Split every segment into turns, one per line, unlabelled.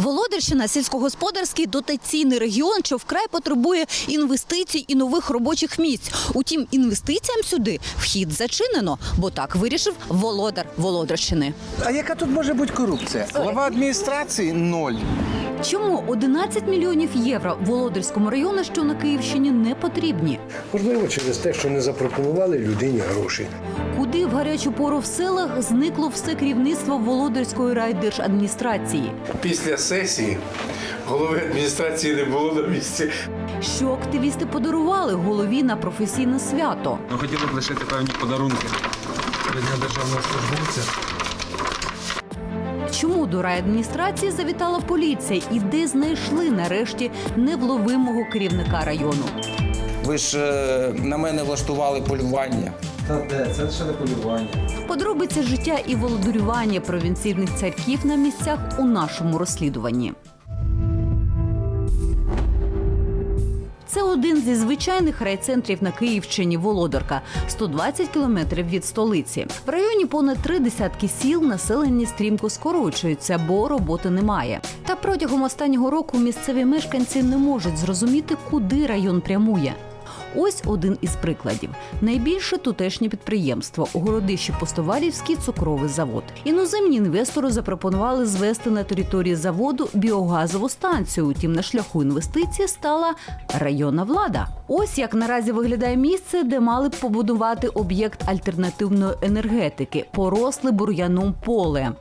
Володарщина – сільськогосподарський дотаційний регіон, що вкрай потребує інвестицій і нових робочих місць. Утім, інвестиціям сюди вхід зачинено, бо так вирішив володар Володарщини.
А яка тут може бути корупція? Глава адміністрації – 0.
Чому 11 мільйонів євро Володарському району, що на Київщині, не потрібні?
Можливо, через те, що не запропонували людині гроші.
Куди в гарячу пору в селах зникло все керівництво Володарської райдержадміністрації?
Після сесії голови адміністрації не було на місці.
Що активісти подарували голові на професійне свято?
Ми хотіли б лишити певні подарунки для державного службовця.
Чому до райадміністрації завітала поліція і де знайшли нарешті невловимого керівника району?
Ви ж на мене влаштували полювання.
Та де? Це ще не полювання.
Подробиці життя і володарювання провінційних царьків на місцях у нашому розслідуванні. Це один зі звичайних райцентрів на Київщині – Володарка, 120 кілометрів від столиці. В районі понад 30 сіл, населення стрімко скорочується, бо роботи немає. Та протягом останнього року місцеві мешканці не можуть зрозуміти, куди район прямує. Ось один із прикладів. Найбільше тутешнє підприємство – у Городищі Постовалівський цукровий завод. Іноземні інвестори запропонували звести на території заводу біогазову станцію. Утім, на шляху інвестиції стала районна влада. Ось як наразі виглядає місце, де мали б побудувати об'єкт альтернативної енергетики – поросле бур'яном поле.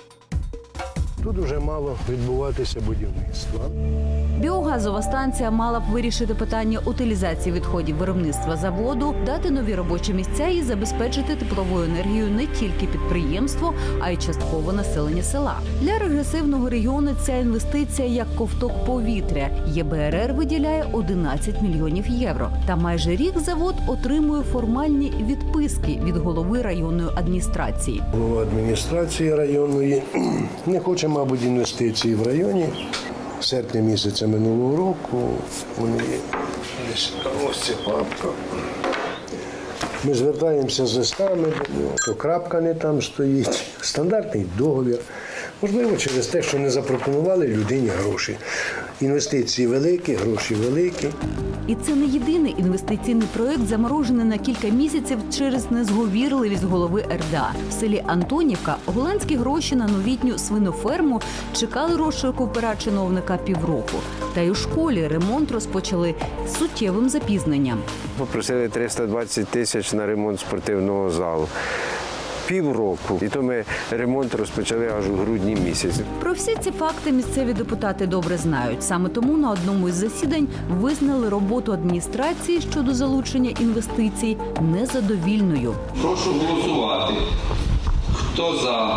Тут вже мало відбуватися будівництво.
Біогазова станція мала б вирішити питання утилізації відходів виробництва заводу, дати нові робочі місця і забезпечити тепловою енергією не тільки підприємство, а й частково населення села. Для регресивного регіону ця інвестиція як ковток повітря. ЄБРР виділяє 11 мільйонів євро. Та майже рік завод отримує формальні відписки від голови районної адміністрації.
Голова адміністрації районної не хоче, мабуть, інвестиції в районі. В серпні місяця минулого року вони десь, ось ця папка. Ми звертаємося з листами до нього, то крапка не там стоїть, стандартний договір. Можливо, через те, що не запропонували людині гроші. Інвестиції великі, гроші великі.
І це не єдиний інвестиційний проект, заморожений на кілька місяців через незговірливість голови РДА. В селі Антонівка голландські гроші на новітню свиноферму чекали розшуку пера чиновника півроку. Та й у школі ремонт розпочали з суттєвим запізненням.
Попросили 320 тисяч на ремонт спортивного залу. Півроку. І то ми ремонт розпочали аж у грудні місяці.
Про всі ці факти місцеві депутати добре знають. Саме тому на одному із засідань визнали роботу адміністрації щодо залучення інвестицій незадовільною.
Прошу голосувати. Хто за?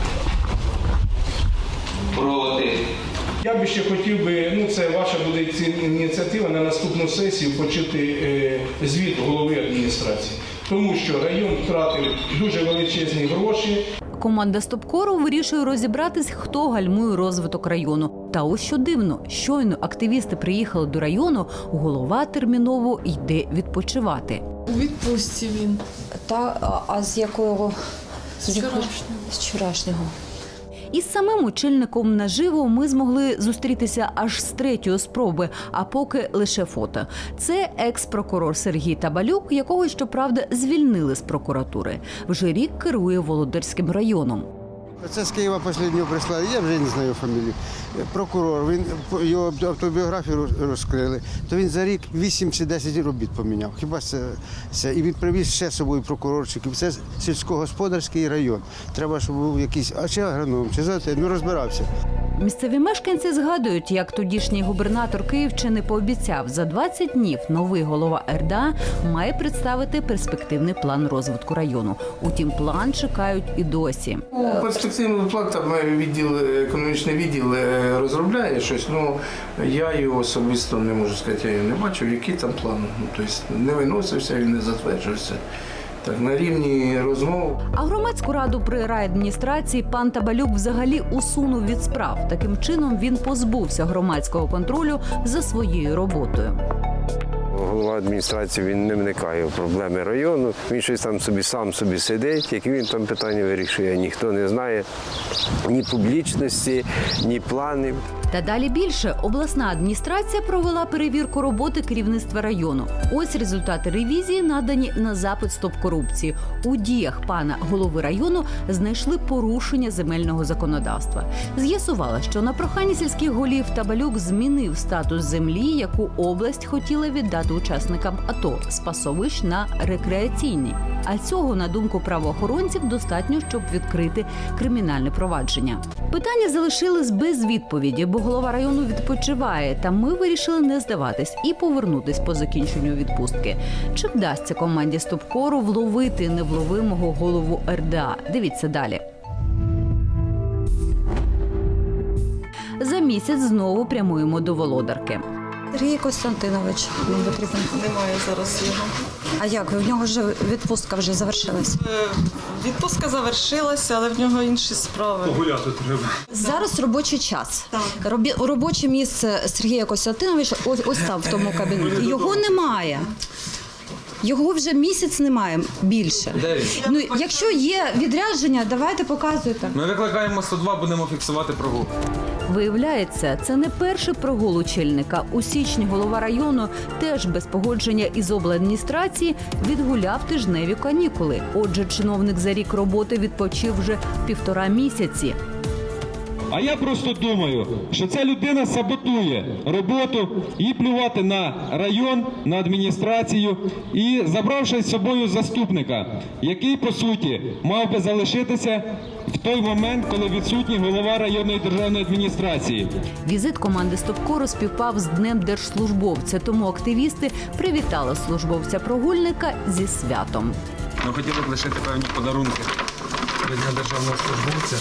Проти?
Я би ще хотів би, це ваша буде ініціатива на наступну сесію почути звіт голови адміністрації. Тому що район втратив дуже величезні гроші.
Команда Стопкору вирішує розібратись, хто гальмує розвиток району. Та ось що дивно, щойно активісти приїхали до району, голова терміново йде відпочивати.
У відпустці він.
А з якого?
З
вчорашнього.
Із самим очільником наживо ми змогли зустрітися аж з третьої спроби, а поки лише фото. Це екс-прокурор Сергій Табалюк, якого, щоправда, звільнили з прокуратури. Вже рік керує Володарським районом.
Це з Києва останнього прислали, я вже не знаю фамілію. Прокурор, його автобіографію розкрили, то він за рік 8 чи 10 робіт поміняв. Хіба це? І він привіз ще з собою прокурорчиків. Це сільськогосподарський район. Треба, щоб був якийсь, чи агроном, чи розбирався.
Місцеві мешканці згадують, як тодішній губернатор Київщини пообіцяв, за 20 днів новий голова РДА має представити перспективний план розвитку району. Утім, план чекають і досі.
Перспективний план, там економічний відділ розробляє щось, я його особисто не можу сказати, я його не бачив, який там план. Тобто не виносився, він не затверджувався. Так, на рівні розмов.
А громадську раду при райадміністрації пан Табалюк взагалі усунув від справ. Таким чином він позбувся громадського контролю за своєю роботою.
голова адміністрації він не вникає в проблеми району. Він щось там сам собі сидить, які він там питання вирішує, ніхто не знає ні публічності, ні планів.
Та далі більше. Обласна адміністрація провела перевірку роботи керівництва району. Ось результати ревізії, надані на запит «Стоп корупції». У діях пана голови району знайшли порушення земельного законодавства. З'ясувала, що на прохання сільських голів Табалюк змінив статус землі, яку область хотіла віддати учасникам АТО з пасовищ на рекреаційні. А цього, на думку правоохоронців, достатньо, щоб відкрити кримінальне провадження. Питання залишились без відповіді, бо голова району відпочиває, та ми вирішили не здаватись і повернутись по закінченню відпустки. Чи вдасться команді Стопкору вловити невловимого голову РДА? Дивіться далі. За місяць знову прямуємо до Володарки.
Сергій Костянтинович нам потрібен.
Немає зараз його.
А як? В нього ж відпустка вже завершилась.
Відпустка завершилася, але в нього інші справи.
Погуляти треба.
Зараз робочий час. Робоче місце Сергія Костянтиновича ось там, в тому кабінеті. Його немає. Його вже місяць немає, більше.
Де він?
Ну, якщо є відрядження, давайте показуйте.
Ми викликаємо 102, будемо фіксувати прогул.
Виявляється, це не перший прогул очільника. У січні голова району теж без погодження із обладміністрації відгуляв тижневі канікули. Отже, чиновник за рік роботи відпочив вже 1,5 місяці.
А я просто думаю, що ця людина саботує роботу і плювати на район, на адміністрацію і забравши з собою заступника, який, по суті, мав би залишитися в той момент, коли відсутній голова районної державної адміністрації.
Візит команди Стопкору співпав з Днем держслужбовця, тому активісти привітали службовця-прогульника зі святом.
Ми хотіли б лишити певні подарунки до Дня державного службовця.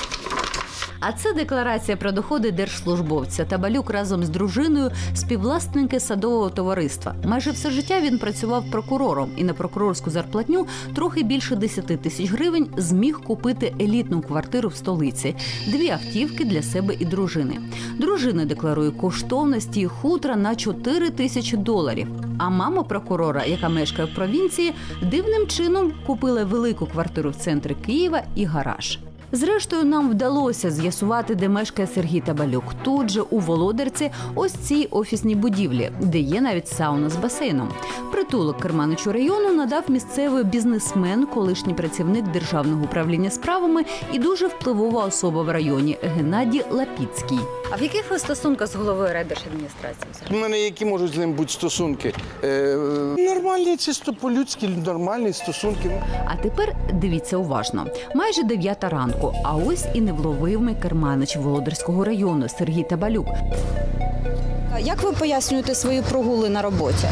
А це декларація про доходи держслужбовця. Табалюк разом з дружиною – співвласники садового товариства. Майже все життя він працював прокурором і на прокурорську зарплатню трохи більше 10 тисяч гривень зміг купити елітну квартиру в столиці, 2 автівки для себе і дружини. Дружина декларує коштовності хутра на $4 тисячі. А мама прокурора, яка мешкає в провінції, дивним чином купила велику квартиру в центрі Києва і гараж. Зрештою, нам вдалося з'ясувати, де мешкає Сергій Табалюк. Тут же, у Володарці, ось цій офісній будівлі, де є навіть сауна з басейном. Притулок керманичу району надав місцевий бізнесмен, колишній працівник Державного управління справами і дуже впливова особа в районі Геннадій Лапіцький.
А в яких ви стосунках з головою райдержадміністрації?
У мене які можуть з ним бути стосунки? Нормальні, чисто по-людськи, нормальні стосунки.
А тепер дивіться уважно. Майже 9 ранку, а ось і невловимий керманич Володарського району Сергій Табалюк.
Як ви пояснюєте свої прогули на роботі?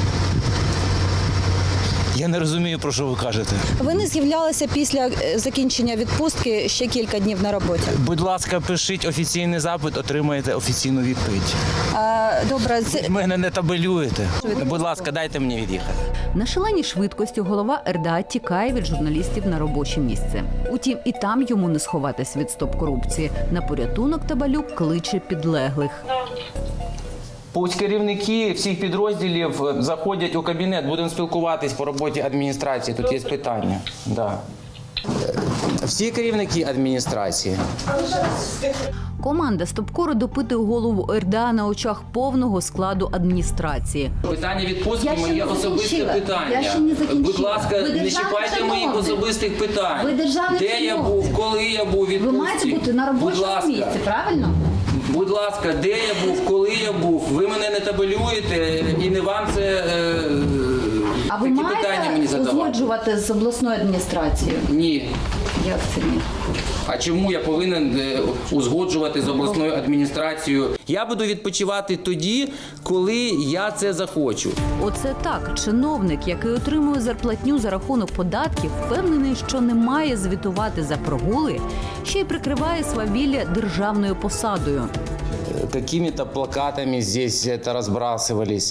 Я не розумію, про що ви кажете.
Ви не з'являлися після закінчення відпустки ще кілька днів на роботі.
Будь ласка, пишіть офіційний запит, отримаєте офіційну відповідь.
Добре, це...
Мене не табелюєте. Будь ласка, дайте мені від'їхати.
На шаленій швидкості голова РДА тікає від журналістів на робоче місце. Утім, і там йому не сховатись від стоп-корупції. На порятунок Табалюк кличе підлеглих.
Пусть керівники всіх підрозділів заходять у кабінет, будемо спілкуватись по роботі адміністрації, тут є питання. Да. Всі керівники адміністрації.
Команда Стопкору допитує голову РДА на очах повного складу адміністрації.
Питання відпустки – моє особисте питання. Будь ласка, не чіпайте моїх особистих питань. Де я був, коли я був у відпустці?
Ви маєте бути на робочому місці, правильно?
Будь ласка, де я був, коли я був? Ви мене не табелюєте і не вам це
А ви
такі питання мені
маєте
задавати.
узгоджувати з обласною адміністрацією?
Ні.
Як це ні?
А чому я повинен узгоджувати з обласною адміністрацією? Я буду відпочивати тоді, коли я це захочу.
Оце так. Чиновник, який отримує зарплатню за рахунок податків, впевнений, що не має звітувати за прогули, ще й прикриває свавілля державною посадою.
Какими-то плакатами здесь это разбрасывались,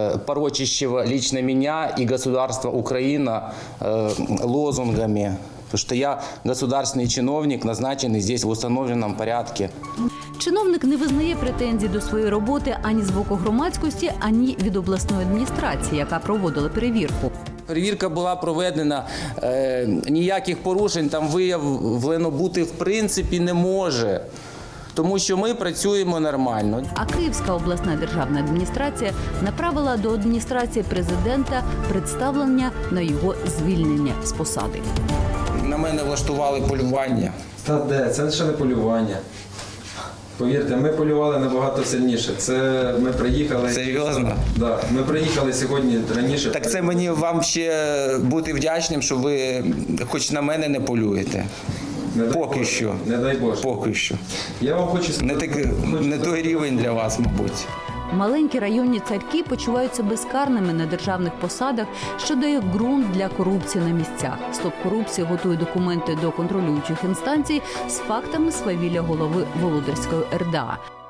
порочащего лично меня и государство Украина лозунгами.
Потому что я государственный чиновник, назначенный здесь в установленном порядке.
Чиновник не визнає претензій до своєї роботи ані з боку громадськості, ані від обласної адміністрації, яка проводила перевірку.
Перевірка була проведена, ніяких порушень там виявлено бути в принципі не може, тому що ми працюємо нормально.
А Київська обласна державна адміністрація направила до адміністрації президента представлення на його звільнення з посади.
На мене влаштували полювання.
Та де? Це ще не полювання. Повірте, ми полювали набагато сильніше. Це ми приїхали.
Серйозно?
Да, ми приїхали сьогодні раніше.
Так це мені вам ще бути вдячним, що ви хоч на мене не полюєте. Поки що.
Не дай Боже.
Поки що.
Я вам хочу
Не той рівень для вас, мабуть.
Маленькі районні царьки почуваються безкарними на державних посадах, що дає ґрунт для корупції на місцях. Стоп корупції готує документи до контролюючих інстанцій з фактами свавілля голови Володарської РДА.